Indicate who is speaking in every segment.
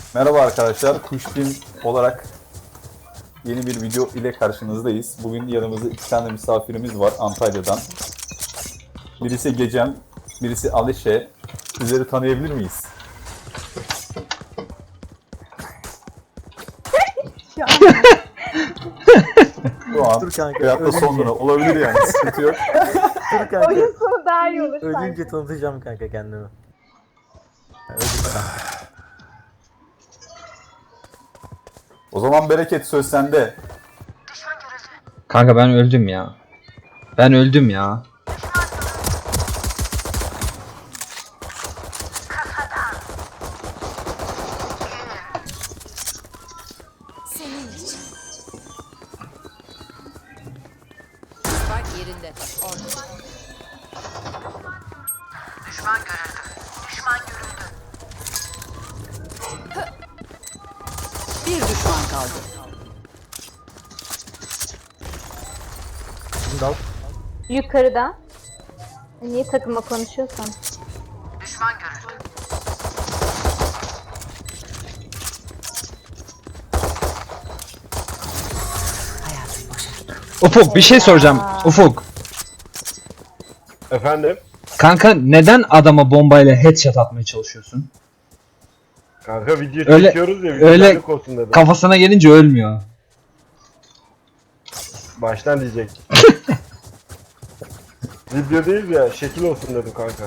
Speaker 1: Merhaba arkadaşlar, Kuşbin olarak yeni bir video ile karşınızdayız. Bugün yanımızda iki tane misafirimiz var Antalya'dan. Birisi Gecem, birisi Alişe. Sizleri tanıyabilir miyiz?
Speaker 2: Şu an
Speaker 1: Şu an
Speaker 3: Dur kanka,
Speaker 1: veyahut da
Speaker 3: ölünce.
Speaker 1: sonra olabilir yani, sıkıntı yok.
Speaker 3: Dur kanka.
Speaker 2: oyun sonu daha iyi olur
Speaker 3: Ölünce
Speaker 2: sanki.
Speaker 3: tanıtacağım kanka kendimi. Öldükten.
Speaker 1: O zaman Bereket, söz sende.
Speaker 4: Kanka ben öldüm ya. Ben öldüm ya.
Speaker 5: Senin için. Spike yerinde. Orada. Bir düşman kaldı.
Speaker 3: Şimdi al.
Speaker 2: Yukarıda. Niye takıma konuşuyorsan?
Speaker 4: Ufuk bir şey soracağım. Ufuk.
Speaker 6: Efendim?
Speaker 4: Kanka neden adama bombayla headshot atmaya çalışıyorsun?
Speaker 6: Kanka video
Speaker 4: Öyle-
Speaker 6: çekiyoruz ya,
Speaker 4: öyle-
Speaker 6: videolarlık olsun dedim.
Speaker 4: Kafasına gelince ölmüyor.
Speaker 6: Baştan diyecek. Video değil ya, şekil olsun dedim kanka.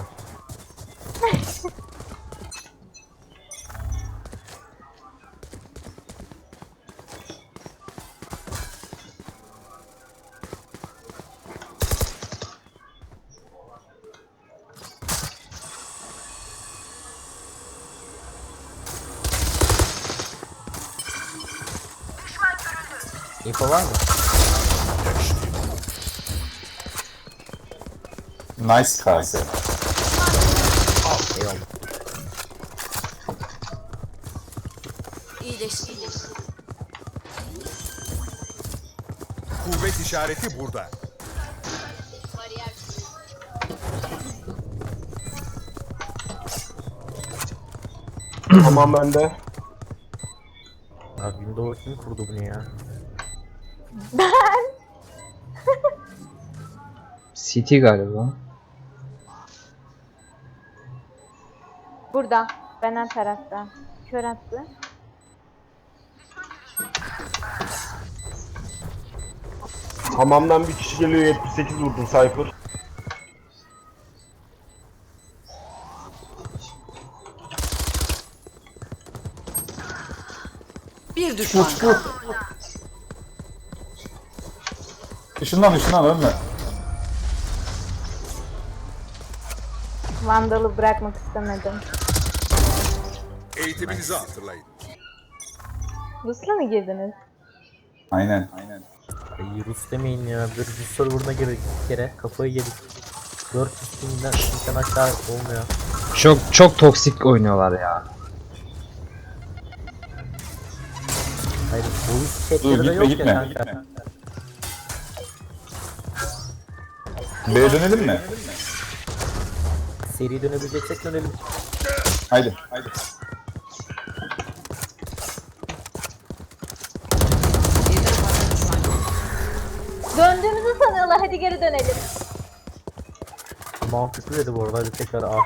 Speaker 3: İnfo var mı?
Speaker 1: Nice kase.
Speaker 3: Eyvallah.
Speaker 5: İyileşti.
Speaker 7: Kuvvet işareti burada.
Speaker 6: Tamam bende.
Speaker 3: Abi Windows kim kurdu bunu ya?
Speaker 4: CT galiba.
Speaker 2: Burada. Benden tarafta. Kör attı.
Speaker 6: Hamamdan bir kişi geliyor, 78 vurdum Cypher.
Speaker 5: Bir düşman kaldı.
Speaker 1: Işından ölme.
Speaker 2: Vandal'ı bırakmak istemedim.
Speaker 7: Eğitiminizi hatırlayın.
Speaker 2: Rus'la mı girdiniz?
Speaker 1: Aynen.
Speaker 3: Ay, Rus demeyin ya. Bir Rus serverına girdik bir kere. Kafayı yedik. 400 binden aşağı olmuyor.
Speaker 4: Çok toksik oynuyorlar ya.
Speaker 3: Hayır, boyut
Speaker 1: Dur,
Speaker 3: chatleri de yok
Speaker 1: gitme.
Speaker 3: ya kanka.
Speaker 1: B'ye dönelim mi?
Speaker 3: Seri dönebileceksek dönelim.
Speaker 1: Haydi.
Speaker 5: Birden fazla düşman kaldı.
Speaker 2: Döndüğümüzü sanıyorlar. Hadi geri dönelim.
Speaker 3: Mantıklı dedi bu arada. Hadi tekrar A.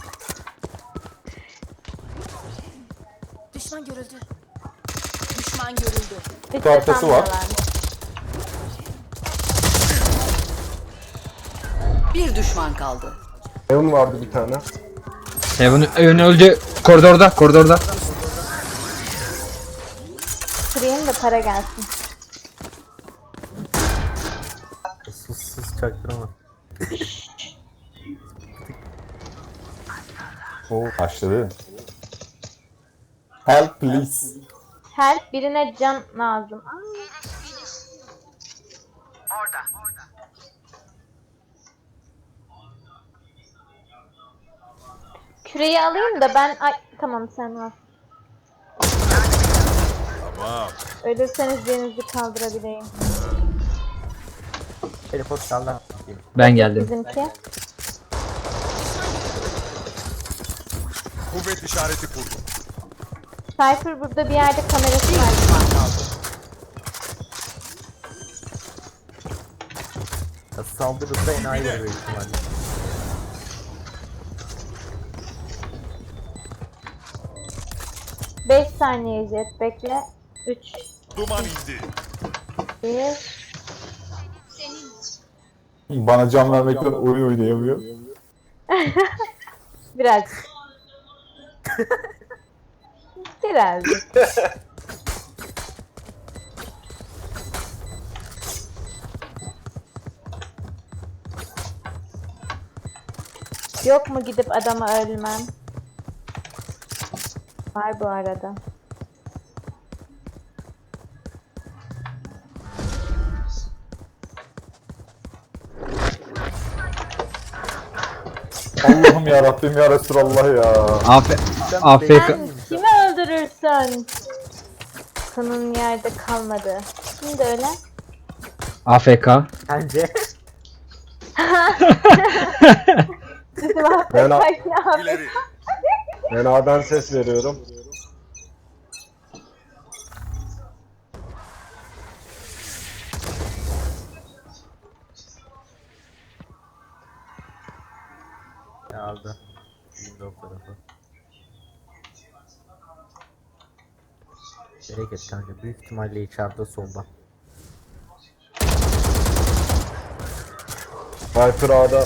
Speaker 5: Düşman görüldü. Düşman görüldü.
Speaker 2: Hiç
Speaker 1: arkası var.
Speaker 2: sanmıyorlarmış.
Speaker 5: Bir düşman kaldı.
Speaker 6: Evan vardı bir tane.
Speaker 4: Evan öldü. Koridorda.
Speaker 2: Kırayım da para gelsin.
Speaker 3: Sus çaktırma.
Speaker 1: Oo, başladı. Help please.
Speaker 2: Help, birine can lazım. Küreyi alayım da ben... Ay tamam, sen al.
Speaker 7: Tamam.
Speaker 2: Ölürseniz birinizi kaldırabileyim.
Speaker 3: Teleport sağlam.
Speaker 4: Ben geldim.
Speaker 2: Bizimki.
Speaker 7: Kuvvet işareti kurdum.
Speaker 2: Cypher burada bir yerde kamerası
Speaker 5: Bir
Speaker 2: var.
Speaker 5: düşman kaldı.
Speaker 3: Ya saldırırsa enayi oluyor büyük ihtimalle.
Speaker 2: Beş saniye Jet bekle. 3,
Speaker 7: Duman indi.
Speaker 2: 1.
Speaker 1: Bana can vermekten oyun oynayamıyor.
Speaker 2: Birazcık. Birazcık. Yok mu gidip adama ölmem? Var bu arada.
Speaker 1: Allah'ım ya Rabbim ya Resulallah ya.
Speaker 4: AFK.
Speaker 2: Sen kimi öldürürsen kanın yerde kalmadı. Şimdi öyle.
Speaker 4: AFK.
Speaker 3: Bence.
Speaker 2: Bizim
Speaker 6: Ben, A-
Speaker 2: affetmek ne yapayım?
Speaker 7: İleri.
Speaker 6: ben A'dan ses veriyorum.
Speaker 3: Aldı. Windows tarafı. Bereket kanka. Büyük ihtimalle içeride solda.
Speaker 6: Viper A'da.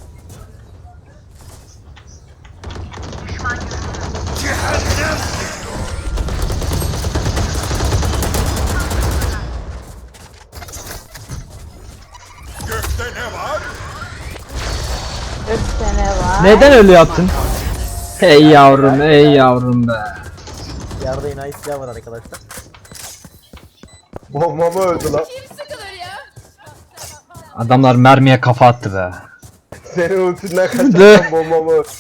Speaker 7: Gökte ne var?
Speaker 2: 3 sene var.
Speaker 4: Neden öyle yaptın? Hey yavrum, ey yavrum be.
Speaker 3: Yerde enayi silah var arkadaşlar.
Speaker 6: Bombamı öldü lan.
Speaker 4: Adamlar mermiye kafa attı be.
Speaker 6: Senin ultinden kaçarsan bombamı öldü.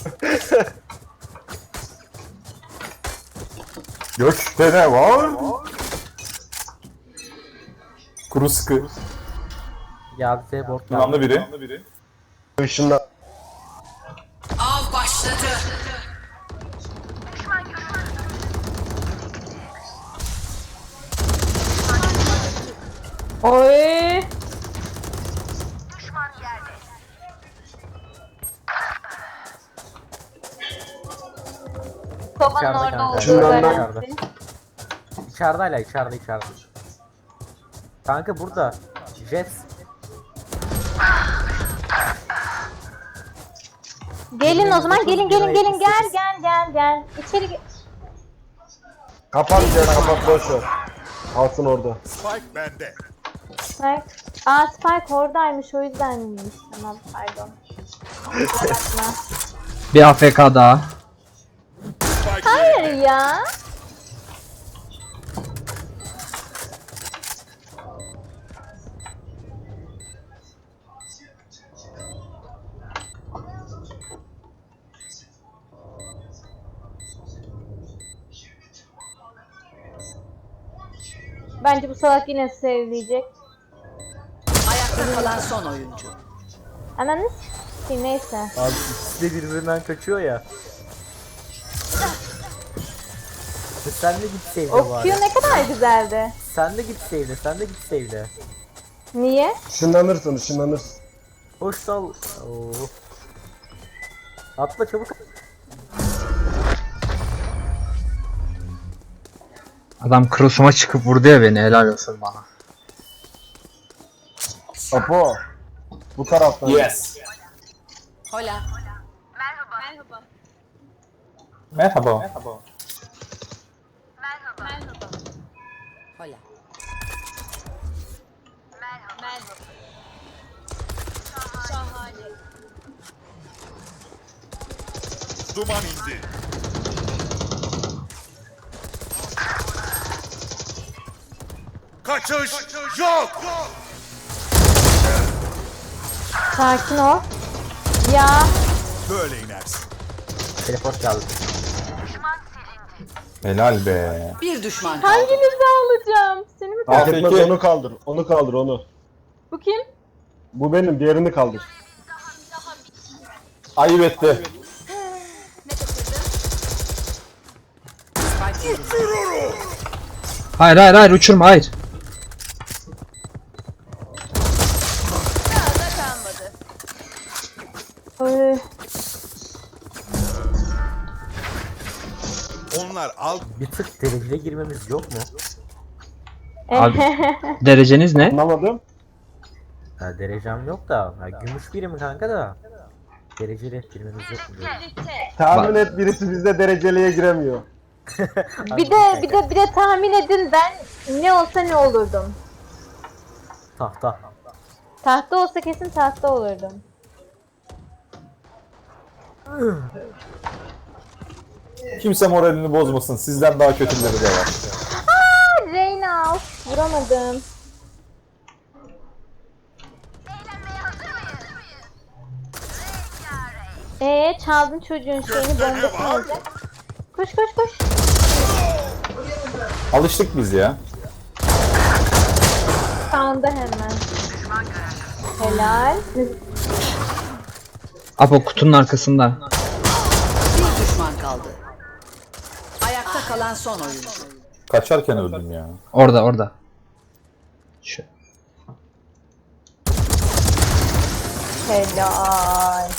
Speaker 1: Gökte ne var? Kuru sıkı.
Speaker 3: Geldi T-board geldi.
Speaker 1: Kullandı biri.
Speaker 6: Işınla.
Speaker 5: Av başladı.
Speaker 2: Oy. Sobanın
Speaker 3: İçeride
Speaker 2: orada
Speaker 3: kanka.
Speaker 2: olduğu
Speaker 6: Şundan ben-
Speaker 2: garanti.
Speaker 3: İçeride hala içeride. Kanka burada. Jet.
Speaker 2: Gelin o zaman gelin gel. İçeri gel.
Speaker 6: Kapat ya, kapat boş ver. Alsın orada.
Speaker 7: Spike bende.
Speaker 2: Spike. Aa Spike oradaymış o yüzdenmiş. Tamam pardon. Bakma.
Speaker 4: Bir AFK daha.
Speaker 7: Spike
Speaker 2: Hayır ya. Bence bu salak yine sevleyecek.
Speaker 5: Ayakta kalan son oyuncu.
Speaker 2: Ananı s**eyim, neyse.
Speaker 3: Abi ikisi de birbirinden kaçıyor ya. Sen de git sevle
Speaker 2: O
Speaker 3: bari.
Speaker 2: Q ne kadar güzeldi.
Speaker 3: Sen de git sevle.
Speaker 2: Niye?
Speaker 6: Işınlanırsın.
Speaker 3: Hoş dal. Oo. Atla çabuk.
Speaker 4: Adam cross'uma çıkıp vurdu ya beni, helal olsun bana.
Speaker 6: Apo. Bu taraftan.
Speaker 1: Yes.
Speaker 5: Hola.
Speaker 1: Merhaba.
Speaker 5: Hola.
Speaker 7: duman indi. Kaçış yok.
Speaker 2: Sakin ol. Ya.
Speaker 7: Böyle inersin.
Speaker 3: Teleport geldi.
Speaker 1: Helal be.
Speaker 5: Bir düşman kaldı.
Speaker 2: Hanginizi alacağım? Seni mi
Speaker 6: Fark
Speaker 1: AFK.
Speaker 6: etmez, onu kaldır. Onu kaldır onu.
Speaker 2: Bu kim?
Speaker 6: Bu benim, diğerini kaldır.
Speaker 1: Ayıp etti.
Speaker 5: Spike
Speaker 4: Hayır hayır hayır uçurma hayır.
Speaker 2: Oy.
Speaker 7: Onlar al.
Speaker 3: Bir tık dereceye girmemiz yok mu?
Speaker 4: Abi dereceniz ne?
Speaker 6: Anlamadım.
Speaker 3: Ha, derecem yok da. Ha, gümüş biri mi kanka da? Dereceli girmemiz yok mu diyorum.
Speaker 6: Tahmin et birisi bizde dereceliye giremiyor.
Speaker 2: Bir de tahmin edin ben ne olsa ne olurdum.
Speaker 3: Tahta.
Speaker 2: Tahta olsa kesin tahta olurdum.
Speaker 1: Kimse moralini bozmasın. Sizden daha kötüleri de var.
Speaker 2: Reyna of, vuramadım. Çaldın çocuğun şeyini bombasını alacak. Koş koş koş.
Speaker 1: Alıştık biz ya.
Speaker 2: Sağında hemen. Helal.
Speaker 4: Apo kutunun arkasında.
Speaker 5: Bir düşman kaldı. Ayakta kalan son oyuncu.
Speaker 1: Kaçarken öldüm ya.
Speaker 4: Orada orada. Şu.
Speaker 2: Helal.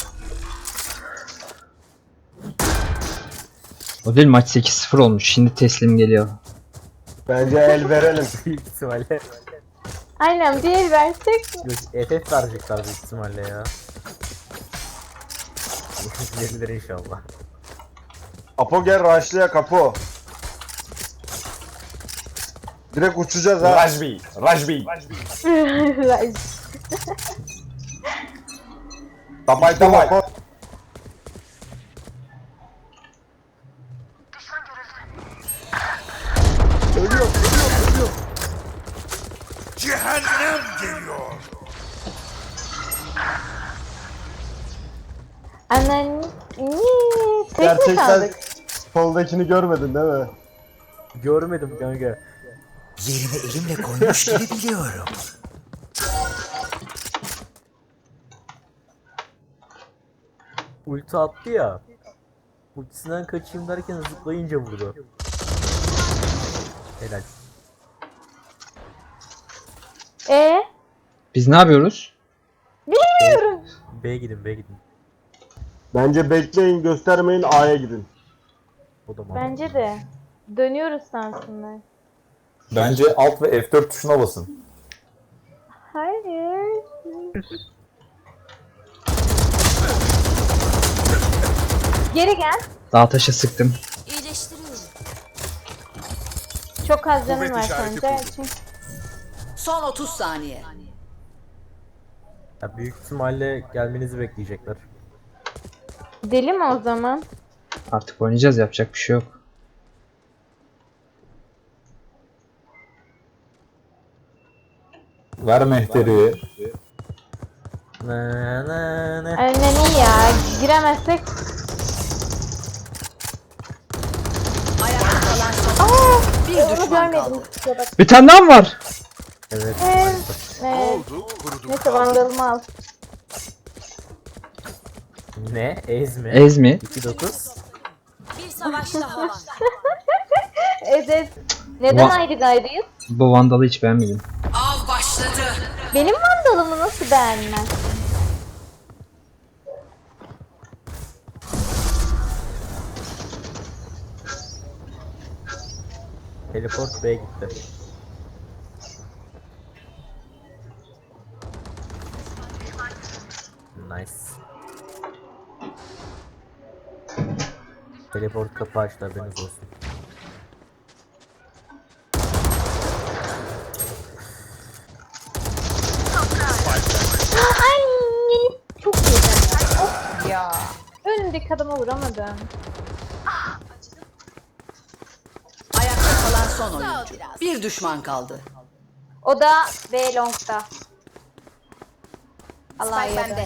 Speaker 4: O değil maç 8-0 olmuş. Şimdi teslim geliyor.
Speaker 6: Bence el verelim.
Speaker 3: Büyük ihtimalle.
Speaker 2: Aynen bir el versek.
Speaker 3: FF verecekler büyük ihtimalle ya. Verilir inşallah.
Speaker 6: Apo gel rushlıya kapı. Direkt uçacağız ha.
Speaker 1: Rajbi. Rajbi. Tabay tabay.
Speaker 7: Cehennem geliyor.
Speaker 2: Anan. Tek mi
Speaker 6: Gerçekten
Speaker 2: kaldık?
Speaker 6: soldakini görmedin değil mi?
Speaker 3: Görmedim kanka.
Speaker 8: Yerimi elimle koymuş gibi biliyorum.
Speaker 3: Ulti attı ya. Ultisinden kaçayım derken zıplayınca vurdu. Helal.
Speaker 4: Biz ne yapıyoruz?
Speaker 2: Bilmiyorum.
Speaker 3: B'ye gidin B'ye gidin.
Speaker 6: Bence bekleyin göstermeyin A'ya gidin.
Speaker 3: O da mantıklı.
Speaker 2: Bence de. Dönüyoruz sansınlar.
Speaker 1: Bence Alt ve F4 tuşuna basın.
Speaker 2: Hayır. Geri gel.
Speaker 4: Dağ taşa sıktım.
Speaker 2: Çok az canın
Speaker 7: Kuvvet
Speaker 2: var
Speaker 7: işareti
Speaker 2: sence.
Speaker 7: kurdum.
Speaker 2: Çünkü
Speaker 5: Son 30 saniye.
Speaker 3: Ya büyük ihtimalle gelmenizi bekleyecekler.
Speaker 2: deli mi o zaman?
Speaker 4: Artık oynayacağız yapacak bir şey yok.
Speaker 1: Ver mehteri.
Speaker 3: Na na na.
Speaker 2: Aynen iyi ya. Giremezsek.
Speaker 5: Ayakta kalan son bir
Speaker 2: Onu
Speaker 5: düşman
Speaker 2: görmedim.
Speaker 5: kaldı.
Speaker 2: Kusura bak.
Speaker 4: Bir tane daha mı var?
Speaker 3: Evet.
Speaker 7: Ne
Speaker 2: Evet.
Speaker 7: oldu? Kurudum.
Speaker 2: Neyse vandalımı al.
Speaker 3: Ne? Ez mi?
Speaker 4: Ez mi?
Speaker 3: 2-9.
Speaker 5: Bir savaş daha var.
Speaker 2: Evet. Neden
Speaker 4: Va-
Speaker 2: ayrı gayrıyız?
Speaker 4: Bu vandalı hiç beğenmedim.
Speaker 5: Av başladı.
Speaker 2: Benim vandalımı nasıl beğenmez?
Speaker 3: Teleport B'ye gitti. Nice. Teleport kapı açtı haberiniz olsun.
Speaker 2: Ay çok güzel. Of ya. Önündeki adama vuramadım.
Speaker 5: Ayakta kalan son oyuncu. Bir düşman kaldı.
Speaker 2: O da B long'da. Allah yardım.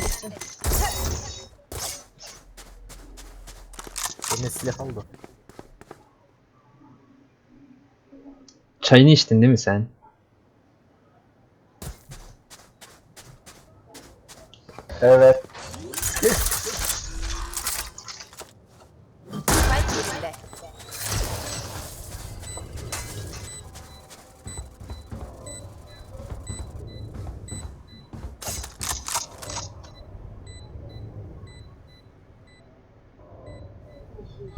Speaker 3: Eline silah aldı.
Speaker 4: Çayını içtin değil mi sen?
Speaker 6: Evet.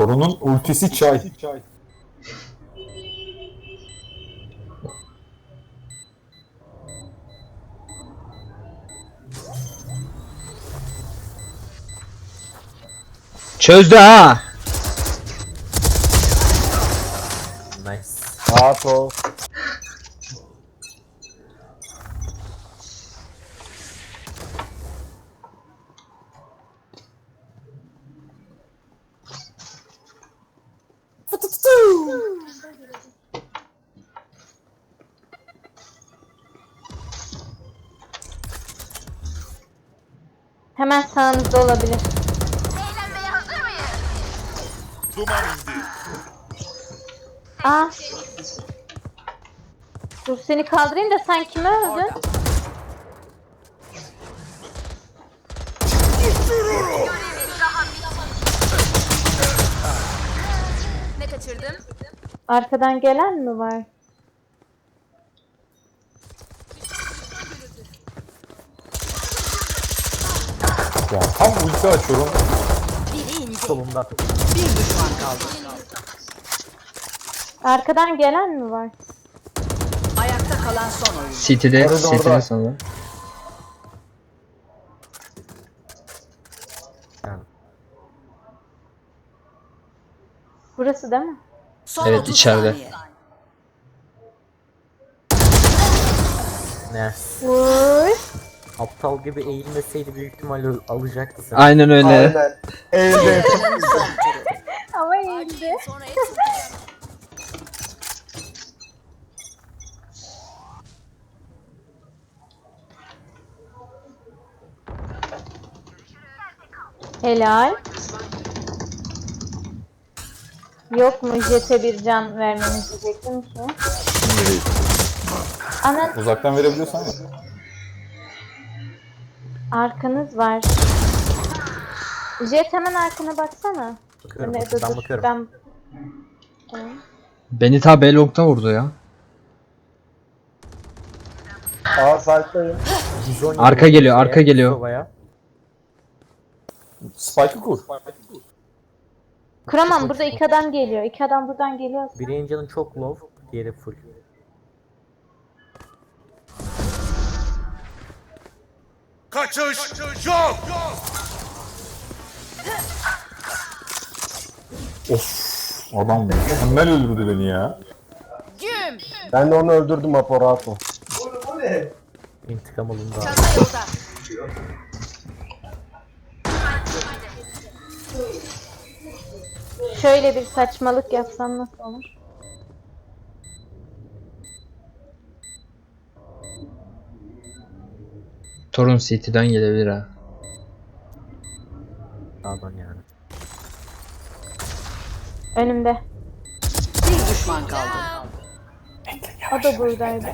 Speaker 1: Torunun ultisi çay.
Speaker 4: Çözdü ha.
Speaker 3: Nice.
Speaker 6: Rahat ol.
Speaker 2: Hemen sağınızda olabilir.
Speaker 7: Duman indi.
Speaker 2: Aa. Dur seni kaldırayım da sen kimi öldün?
Speaker 9: Ne kaçırdım?
Speaker 2: Arkadan gelen mi var?
Speaker 1: Ya tam ulti açıyorum.
Speaker 3: Solumda.
Speaker 5: Bir düşman kaldı.
Speaker 2: Arkadan gelen mi var?
Speaker 5: Ayakta kalan son oyuncu.
Speaker 4: City'de
Speaker 6: Orada.
Speaker 4: sanırım.
Speaker 3: Yani.
Speaker 2: Burası değil mi?
Speaker 5: Son
Speaker 4: Evet,
Speaker 5: 30
Speaker 4: içeride.
Speaker 5: saniye.
Speaker 3: Ne?
Speaker 2: Vur.
Speaker 3: Aptal gibi eğilmeseydi büyük ihtimalle alacaktı sen.
Speaker 4: Aynen öyle.
Speaker 6: Aynen. Eğildi.
Speaker 2: Ama iyiydi.
Speaker 9: Sonra hepsi
Speaker 2: Helal. Yok mu jete bir can vermemiz diyecektim ki.
Speaker 1: Şimdi değil.
Speaker 2: Ana
Speaker 1: Uzaktan verebiliyorsan ya.
Speaker 2: arkanız var. Jet hemen arkana baksana.
Speaker 3: Bakıyorum,
Speaker 2: Ne,
Speaker 3: ben bakıyorum.
Speaker 2: Ben... Tamam.
Speaker 4: Beni ta B-Long'da vurdu ya.
Speaker 6: Aa sahipteyim.
Speaker 3: Bizonya
Speaker 4: Arka
Speaker 3: vurdu
Speaker 4: geliyor,
Speaker 3: şeye,
Speaker 4: arka geliyor.
Speaker 3: Sova'ya.
Speaker 1: Spike'ı kur.
Speaker 2: Kuramam, burada iki adam geliyor. İki adam buradan geliyor.
Speaker 3: Biri Angel'ın çok low, diğeri full.
Speaker 7: Kaçış yok.
Speaker 1: Adam mükemmel öldürdü beni ya.
Speaker 9: güm.
Speaker 6: Ben de onu öldürdüm Apo, rahat ol.
Speaker 3: İntikam alındı.
Speaker 9: Çanta yolda.
Speaker 2: Şöyle bir saçmalık yapsam nasıl olur?
Speaker 4: Torun City'den gelebilir ha.
Speaker 3: Pardon yani.
Speaker 2: Önümde.
Speaker 5: Bir düşman kaldı.
Speaker 2: O da buradaydı.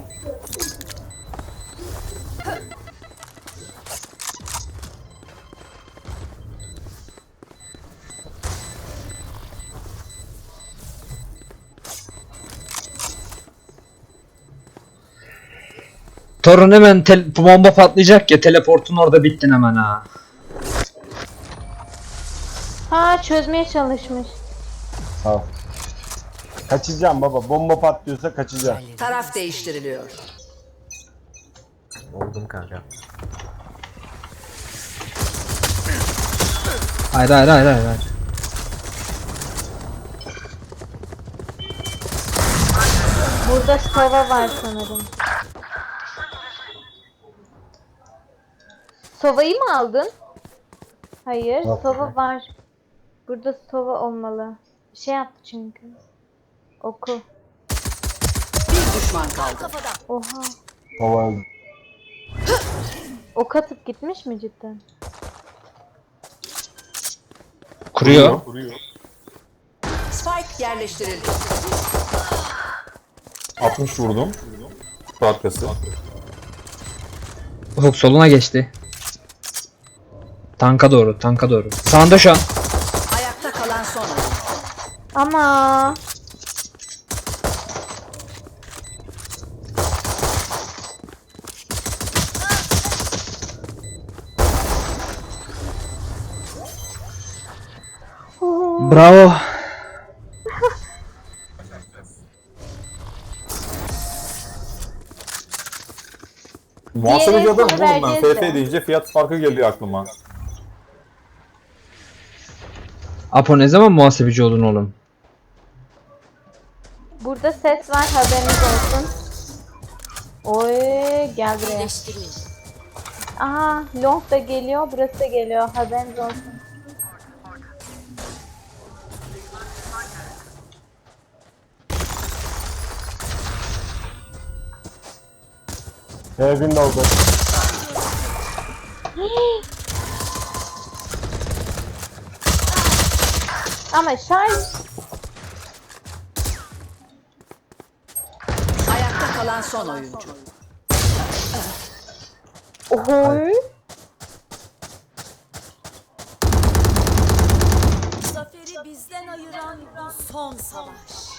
Speaker 4: Torun hemen bomba patlayacak ya, teleportun orada bittin hemen ha.
Speaker 2: Ha, çözmeye çalışmış.
Speaker 6: Sağ ol. Kaçacağım baba. Bomba patlıyorsa kaçacağım.
Speaker 5: Taraf değiştiriliyor.
Speaker 3: Oldum kanka.
Speaker 4: Hayır hayır hayır hayır. hayır.
Speaker 2: Burada Sova var sanırım. Sova'yı mı aldın? Hayır,
Speaker 6: Yok.
Speaker 2: Sova var. Burada Sova olmalı. Bir şey yaptı çünkü. Oku.
Speaker 5: Bir düşman kaldı.
Speaker 2: Oha.
Speaker 6: Baba öldü.
Speaker 2: Ok atıp gitmiş mi cidden?
Speaker 4: Kuruyor.
Speaker 5: Spike yerleştirildi.
Speaker 1: 60 vurdum. Şu arkası.
Speaker 4: Ufuk soluna geçti. Tanka doğru, tanka doğru. Sağında şu an.
Speaker 5: Ayakta kalan son oyuncu.
Speaker 2: Ama
Speaker 4: Bravo.
Speaker 1: Muhasebeci adamım oğlum ben.
Speaker 2: vereceğiz de.
Speaker 1: FF deyince fiyat farkı geliyor aklıma.
Speaker 4: Apo ne zaman muhasebeci oldun oğlum?
Speaker 2: Burada ses var, haberiniz olsun. Oy, gel buraya.
Speaker 9: İyileştireyim.
Speaker 2: Aha, long da geliyor, burası da geliyor, haberiniz olsun.
Speaker 6: Evin oldu.
Speaker 2: Ama şarj...
Speaker 5: Ayakta kalan son oyuncu.
Speaker 2: Oy.
Speaker 9: Zaferi bizden ayıran bu son savaş.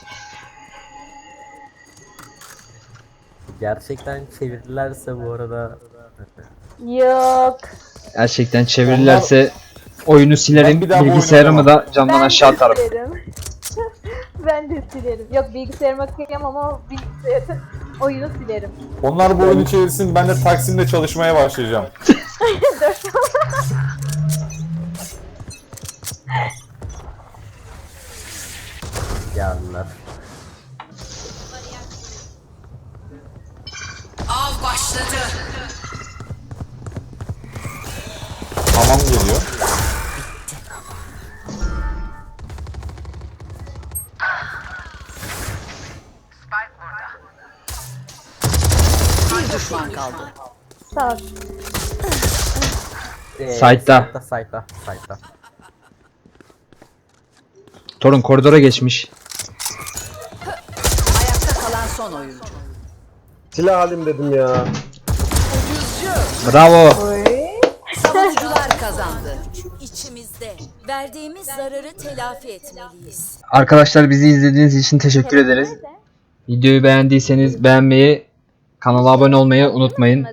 Speaker 3: Gerçekten çevirdilerse bu arada
Speaker 2: Yok.
Speaker 4: Gerçekten çevirirlerse oyunu silerim,
Speaker 1: Ben bir daha bu
Speaker 4: bilgisayarımı
Speaker 1: oyunu
Speaker 4: da camdan
Speaker 2: Ben
Speaker 4: aşağı
Speaker 2: de
Speaker 4: atarım.
Speaker 2: silerim. Ben de silerim. Yok, bilgisayarıma kıyamam ama bilgisayarı oyunu silerim.
Speaker 1: Onlar bu oyunu çevirsin, ben de Taksim'de çalışmaya başlayacağım.
Speaker 3: geldiler.
Speaker 5: Av başladı.
Speaker 1: Tamam geliyor.
Speaker 5: Bir düşman kaldı.
Speaker 2: Sağ ol.
Speaker 4: Side'da.
Speaker 3: Side'da.
Speaker 4: Torun koridora geçmiş.
Speaker 5: Ayakta kalan son oyuncu.
Speaker 6: Silah alayım dedim ya.
Speaker 4: Bravo.
Speaker 2: Oy.
Speaker 5: Savunucular kazandı.
Speaker 9: İçimizde. Verdiğimiz zararı telafi etmeliyiz.
Speaker 4: Arkadaşlar bizi izlediğiniz için teşekkür ederiz.
Speaker 2: Nerede?
Speaker 4: Videoyu beğendiyseniz beğenmeyi, kanala abone olmayı unutmayın.